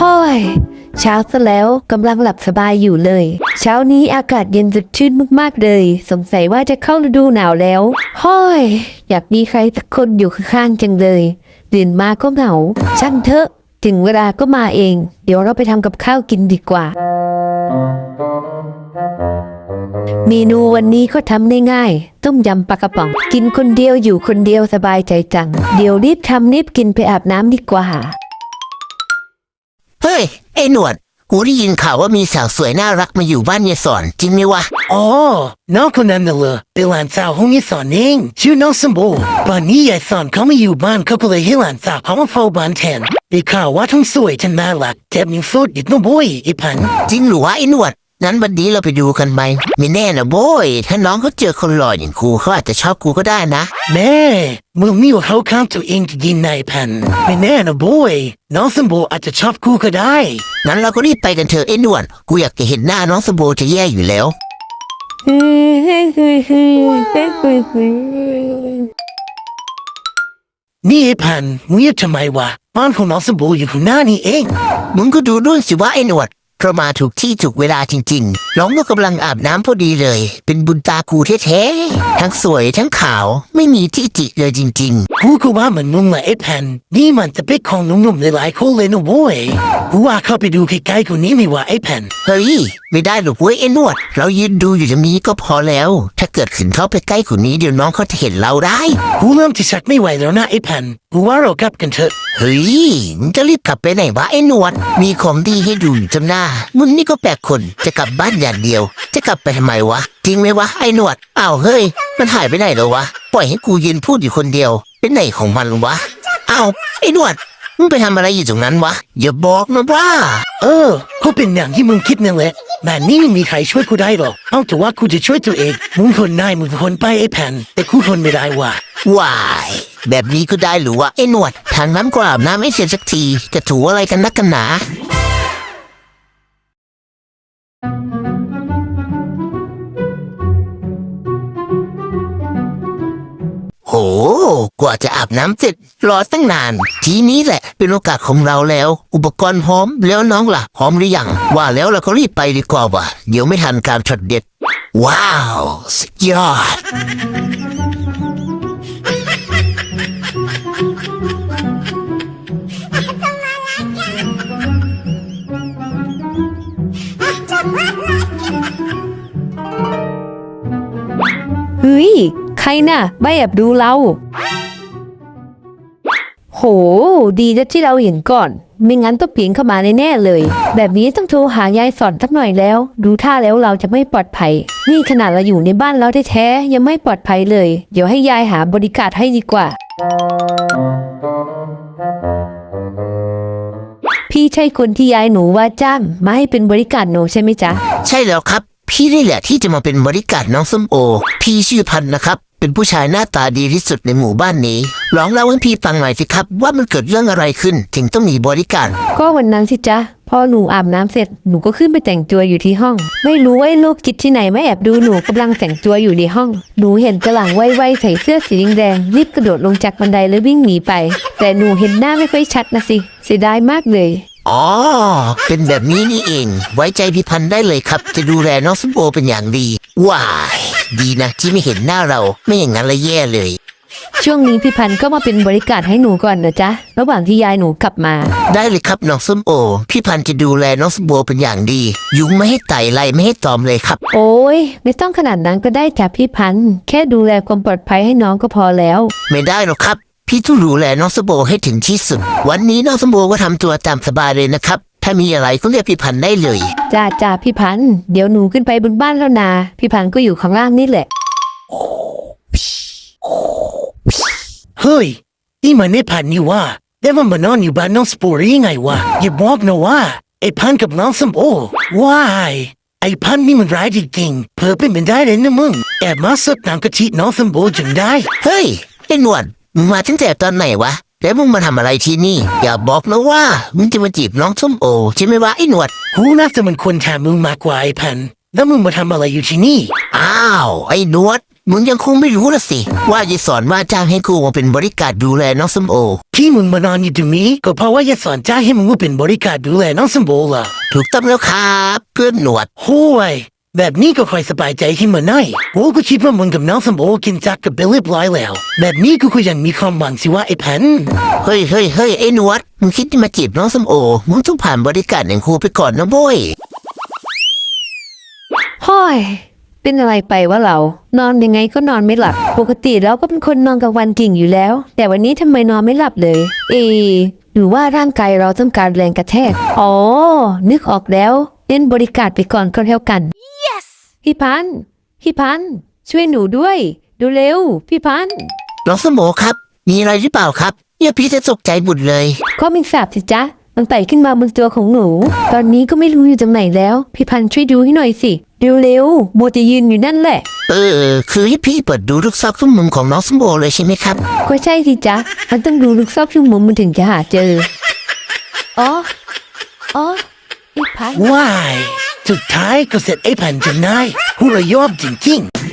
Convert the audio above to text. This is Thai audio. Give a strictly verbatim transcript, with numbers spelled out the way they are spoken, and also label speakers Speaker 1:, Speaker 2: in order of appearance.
Speaker 1: ฮ้ยเช้าซะแล้วกำลังหลับสบายอยู่เลยเช้านี้อากาศเย็นสดชื่นมากๆเลยสงสัยว่าจะเข้าฤดูหนาวแล้วฮ้อยอยากมีใครสักคนอยู่ข้างๆจังเลยตื่นมาก็เหงาช่างเถอะถึงเวลาก็มาเองเดี๋ยวเราไปทำกับข้าวกินดีกว่าเมนูวันนี้ก็ทำได้ง่ายต้มยำปลากระป๋องกินคนเดียวอยู่คนเดียวสบายใจจังเดี๋ยวรีบทำรีบกินไปอาบน้ำดีกว่า
Speaker 2: เฮ้ยไอ้หนวดกูได้ยินข่าวว่ามีสาวสวยน่ารักมาอยู่บ้านยายสอนจริงไหมวะ
Speaker 3: อ๋อน้องคนนั้นน่ะเหรอเป็นหลานสาวของยายสอนเองชื่อน้องสมบูรณ์ตอนนี้ยายสอนเขาไม่อยู่บ้านเขาก็เลยให้หลานสาวเขามาเฝ้าบ้านแทนได้ข่าวว่าทั้งสวยทั้งน่ารักแถมยังโสดอีกนะโบยไอ้พัน
Speaker 2: จริงหรือวะไอ้หนวดนั้นวันนี้เราไปดูกันไหมไม่แน่นะโบยถ้าน้องเขาเจอคนหล่ออย่างกูเขาอาจจะชอบกูก็ได้นะ
Speaker 3: แม่มึงนี่ว่าเขาข้ามตัวเองจะยินนายพันไม่แน่นะโบยน้องสมบูรณ์อาจจะชอบกูก็ได้
Speaker 2: งั้นเราก็รีบไปกันเถอะไอ้หนวดกูอยากจะเห็นหน้าน้องสมบูรณ์จะแย่อยู่แล้ว
Speaker 3: นี่ไอ้พันมึงเงียบทำไมวะบ้านของน้องสมบูรณ์อยู่ข้างหน้านี่เอง
Speaker 2: มึงก็ดูด้วยสิว่าไอ้หนวดเรามาถูกที่ถูกเวลาจริงๆน้องก็กำลังอาบน้ำพอดีเลยเป็นบุญตากูแท้ๆทั้งสวยทั้งขาวไม่มีที่จิเลยจริง
Speaker 3: ๆกูก็ว่าเหมือนมึงแหละไอ้แผ่นนี่มันจะเป็นของหนุ่มๆหลายๆคนเลยนะโว้ยกูว่าเข้าไปดูใกล้ๆคนนี้ไม่ว่าไอ้แผ่น
Speaker 2: เฮ้ยไม่ได้หรอกเว้ยไอ้หนวดเรายืนดูอยู่ตรงนี้ก็พอแล้วถ้าเกิดขึ้นเข้าไปใกล้คนนี้เดี๋ยวน้องเขาจะเห็นเราได้
Speaker 3: กูเริ่มจะชักไม่ไหวแล้วนะไอ้แผ่นกูว่าเรากลับกันเถอะ
Speaker 2: เฮ้ยมึงจะรีบกลับไปไหนวะไอ้หนวดมีของดีให้ดูอยู่จำหน้ามึงนี่ก็แปลกคนจะกลับบ้านอย่างเดียวจะกลับไปทำไมวะจริงไหมวะไอ้หนวดอ้าวเฮ้ยมันหายไปไหนแล้ววะปล่อยให้กูยืนพูดอยู่คนเดียวเป็นไหนของมันวะอ้าวไอ้หนวดมึงไปทำอะไรอยู่ตรงนั้นวะอย่าบอกนะว่า
Speaker 3: เออเขาเป็นอย่างที่มึงคิดนั่นแหละแบบนี้ไม่มีใครช่วยกูได้หรอกเอาแต่ว่ากูจะช่วยตัวเองมึงทนได้มึงทนไปไอ้แผ่นแต่กูทนไม่ได้ว่ะ
Speaker 2: ว้ายแบบนี้ก็ได้หรือวะไอ้หนวดทางน้ำกราบน้ำไม่เสร็จสักทีจะถูอะไรกันนักกันหนาโหกว่าจะอาบน้ำเสร็จรอตั้งนานทีนี้แหละเป็นโอกาสของเราแล้วอุปกรณ์พร้อมแล้วน้องล่ะพร้อมหรือยังว่าแล้วเราก็รีบไปดีกว่าว่ะเดี๋ยวไม่ทันการช็อตเด็ดว้าวสุดยอด
Speaker 1: เฮ้ยใครน่ะไม่แอบดูเราโหดีนะที่เราเห็นก่อนไม่งั้นต้องปีนเข้ามาแน่ๆเลยแบบนี้ต้องโทรหายายสอนสักหน่อยแล้วดูท่าแล้วเราจะไม่ปลอดภัยนี่ขนาดเราอยู่ในบ้านเราแท้ๆยังไม่ปลอดภัยเลยเดี๋ยวให้ยายหาบริการให้ดีกว่าพี่ใช่คนที่ยายหนูว่าจ้างมาให้เป็นบริการหนูใช่ไหมจ๊ะ
Speaker 2: ใช่แล้วครับพี่นี่แหละที่จะมาเป็นบริการน้องส้มโอพี่ชื่อพันนะครับเป็นผู้ชายหน้าตาดีที่สุดในหมู่บ้านนี้ลองเล่าให้พี่ฟังหน่อยสิครับว่ามันเกิดเรื่องอะไรขึ้นถึงต้องมีบริการ
Speaker 1: ก็วันนั้นสิจ๊ะพอหนูอาบน้ำเสร็จหนูก็ขึ้นไปแต่งตัวอยู่ที่ห้องไม่รู้ว่าลูกจิตที่ไหนไม่แอบดูหนูกำลังแต่งตัวอยู่ในห้องหนูเห็นกระหลังไวๆใส่เสื้อสีแดงรีบกระโดดลงจากบันไดแล้ววิ่งหนีไปแต่หนูเห็นหน้าไม่ค่อยชัดนะสิเสียดายมากเลย
Speaker 2: อ๋อเป็นแบบนี้นี่เองไว้ใจพี่พันได้เลยครับจะดูแลน้องส้มโอเป็นอย่างดีว้ายดีนะที่ไม่เห็นหน้าเราไม่อย่างนั้นละแย่เลย
Speaker 1: ช่วงนี้พี่พันก็มาเป็นบริการให้หนูก่อนนะจ๊ะระหว่างที่ยายหนูกลับมา
Speaker 2: ได้เลยครับน้องส้มโอพี่พันจะดูแลน้องส้มโอเป็นอย่างดียุงไม่ให้ไต่ไล่ไม่ให้ตอมเลยครับ
Speaker 1: โอ้ยไม่ต้องขนาดนั้นก็ได้จ้ะพี่พันแค่ดูแลความปลอดภัยให้น้องก็พอแล้ว
Speaker 2: ไม่ได้หรอกครับพี่ต้องดูแลน้องสมโบให้ถึงที่สุดวันนี้น้องสมโบก็ทำตัวตามสบายเลยนะครับถ้ามีอะไรก็เรียกพี่พันได้เลย
Speaker 1: จ้าจ้าพี่พันเดี๋ยวหนูขึ้นไปบนบ้านแล้วนะพี่พันก็อยู่ข้างล่างนี่แหละ
Speaker 3: เฮ้ยนี่มันไอ้พันนี่ว่าแต่มันมานอนอยู่บ้านน้องสปอร์ยังไงวะอย่าบอกนะว่าไอ้พันกับน้องสมโบว้ายไอ้พันนี่มันร้ายจริงๆเพิ่มเป็นไปได้เลยนะมึงแอบมาสดน้ำกะทิน้องสมโบจนได้
Speaker 2: เฮ้ยไอ้หนวดมึงมาตั้งแต่ตอนไหนวะแล้วมึงมาทำอะไรที่นี่อย่าบอกนะว่ามึงจะมาจีบน้องส้มโอใช่ไหมวะไอ้หนวด
Speaker 3: กูน่าจะมันควรถามมึงมากกว่าไอ้พันแล้วมึงมาทำอะไรอยู่ที่นี่
Speaker 2: อ้าวไอ้หนวดมึงยังคงไม่รู้ละสิ ว่าจะสอนว่าจ้างให้กูมาเป็นบริการดูแลน้องส้มโอ
Speaker 3: ที่มึงมานอนอยู่ตรงนี้ก็เพราะว่าอย่าสอนจ้างให้มึงมาเป็นบริการดูแลน้องสมโบล่ะ
Speaker 2: ถูกต้องแล้วครับเพื่อนหนวด
Speaker 3: โห้ยแบบนี้ก็ค่อยสบายใจขึ้นมาหน่อยโอ้ก็คิดว่ามึงกับน้องสมโบกินจักกับเบลลี่บลอยแล้ว แบบนี้กูก็ยังมีความหวังสิว่าไอ้พัน
Speaker 2: เฮ้ยเฮ้ยเฮ้ยไอ้หนวด มึงคิดจะมาจีบน้องส้มโอ มึงต้องผ่านบริการอย่างครูไปก่อนนะโว้ย
Speaker 1: ห้อย เป็นอะไรไปวะเรา นอนยังไงก็นอนไม่หลับ ปกติเราก็เป็นคนนอนกลางวันเก่งอยู่แล้ว แต่วันนี้ทำไมนอนไม่หลับเลย เอ หรือว่าร่างกายเราต้องการแรงกระแทก อ๋อ นึกออกแล้วเล่นบริการไปก่อนก็แล้วกัน yes พี่พันธุ์พี่พันธุ์ช่วยหนูด้วย ดูเร็ว พี่พันธุ์
Speaker 2: น้องส้มโอครับ มีอะไรหรือเปล่าครับเนี่ยพี่จะตกใจบุดเลย
Speaker 1: ก็มิงสาบสิจ๊ะ มันไต่ขึ้นมาบนตัวของหนู ตอนนี้ก็ไม่รู้อยู่ตรงไหนแล้ว พี่พันธุ์ช่วยดูให้หน่อยสิเร็วๆโมจะยืนอยู่นั่นแหละ
Speaker 2: เออ คือให้พี่เปิดดูทุกซอกทุกมุมของน้องส้มโอเลยใช่ไหมครับ
Speaker 1: ก็ใช่สิจ๊ะ มันต้องดูลูกซอกทุกมุมมันถึงจะหาเจอ อ๋อ อ๋อไอ้พันธุ์
Speaker 3: ว้ายสุดท้ายก็เสร็จไอ้พันจนได้หูระยอบจริงๆ